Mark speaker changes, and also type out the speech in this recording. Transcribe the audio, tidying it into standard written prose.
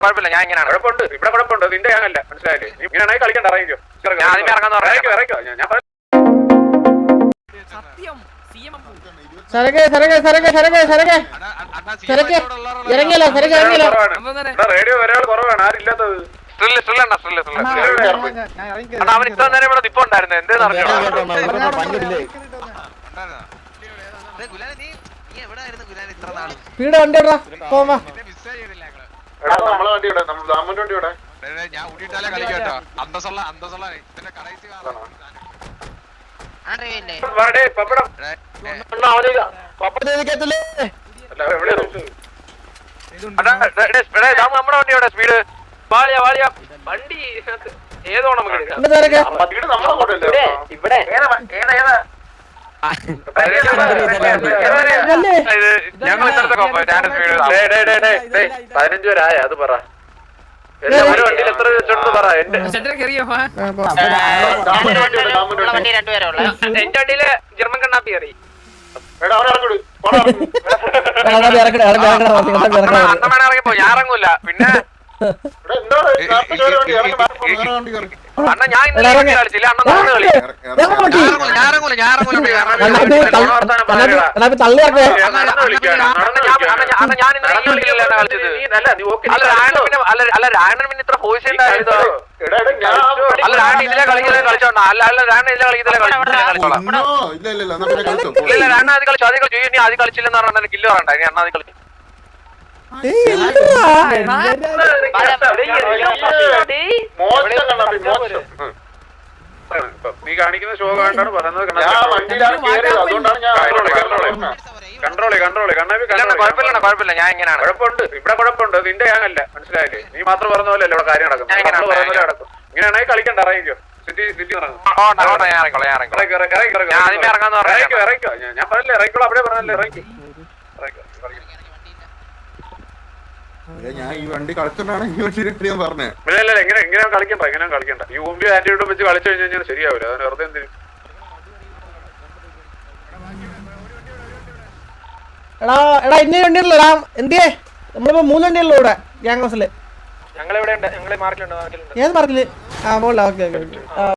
Speaker 1: കുഴപ്പമില്ല, ഞാൻ ഇങ്ങനെയാണ്.
Speaker 2: കുഴപ്പമുണ്ട്, ഇവിടെ കുഴപ്പമുണ്ട്. നിന്റെ ഞാനല്ല, മനസ്സിലായില്ലേ? നീ ഇങ്ങനെയാണെങ്കിൽ കളിക്കണ്ട, ഇറങ്ങിക്കോ.
Speaker 1: ഞാൻ ആദ്യമേ ഇറങ്ങാന്ന് പറഞ്ഞു.
Speaker 2: ഞാൻ റേഡിയോ ഒരാൾ കുറവാണ്, ആരില്ലാത്തത്.
Speaker 1: അവൻ ഇത്ര നേരം ഇവിടെ നിപ്പ ഉണ്ടായിരുന്നു. എന്തേന്ന് അറിഞ്ഞോ?
Speaker 3: ഞാൻ ഊട്ടിട്ടാലേ കളിക്കട്ടോ. അന്തസ്സുള്ള
Speaker 1: നമ്മുടെ വണ്ടിയോടെ സ്പീഡ് വാളിയ വണ്ടി ഏതോ നമുക്ക് ഞങ്ങൾ
Speaker 2: 15 പേരായ അത് പറ. ഒരു വണ്ടിയിൽ എത്ര വെച്ചോണ്ട് പറ. എന്റെ
Speaker 1: വണ്ടിയില് ജർമ്മൻ കണ്ണാപ്പി കയറി. അണ്ണ ഇറങ്ങിപ്പോ ഞാൻ ഇറങ്ങൂല. പിന്നെ അണ്ണ ഞാൻ കളിച്ചില്ല. അണ്ണ നടന്ന് കളി. അല്ല രാണൻ പിന്നെ ഇത്ര ഫോഴ്സ് ഉണ്ടായിരുന്നു. അല്ല രാണ ഇതിലെ കളിച്ചോണ്ടാ. അല്ല രാണ ഇതിലെ കളിച്ചോളാം. ഇല്ല രാണ അത് കളിച്ചു. ആദ്യം കളിച്ചു. ഇനി ആദ്യം കളിച്ചില്ലെന്ന് പറഞ്ഞാൽ കില്ല് പറയണ്ട. ഇനി അണ്ണ അത് കളിച്ചു.
Speaker 2: നീ കാണിക്കുന്ന ഷോ കണ്ടാണ് പറയുന്നത്.
Speaker 1: കുഴപ്പമില്ല, ഞാൻ ഇങ്ങനെയാണ്.
Speaker 2: കുഴപ്പമുണ്ട്, ഇവിടെ കുഴപ്പമുണ്ട്. നിന്റെ ഞാനല്ല, മനസ്സിലായില്ലേ? നീ മാത്രം പറഞ്ഞ പോലെ അല്ല ഇവിടെ കാര്യം നടക്കും. നടക്കും. ഇങ്ങനെയാണെങ്കിൽ കളിക്കണ്ട, ഇറങ്ങിക്കോ. സിറ്റി ഇറങ്ങിക്കോ. ഞാൻ പറഞ്ഞില്ലേ ഇറങ്ങിക്കോളൂ. അവിടെ പറഞ്ഞല്ലേ ഇറങ്ങിക്കോ.
Speaker 4: ഞാൻ ഈ വണ്ടി കളിച്ചോണ്ടാണ് ഈ വണ്ടി ഞാൻ പറഞ്ഞത്.
Speaker 2: ഇല്ല എങ്ങനെ കളിക്കണ്ട. ഈ മുമ്പിൽ ആന്റിയോട്ടും വെച്ച് കളിച്ചു കഴിഞ്ഞാൽ ശരിയാവില്ല. അതിന് വെറുതെ എന്തിനും
Speaker 5: എടാ ഇന്ന വണ്ടിയുള്ളടാ. എന്തിയേ നമ്മളിപ്പോ 3 വണ്ടിയുള്ളൂ ഇവിടെ ഗ്യാങ് ഹൗസില്.
Speaker 1: ഞങ്ങൾ ഇവിടെ ഉണ്ട്. ഞങ്ങള് മാർക്കിലുണ്ട്.
Speaker 5: ഏത് മാർക്കില്? ആ മോളിലാ. ഓക്കെ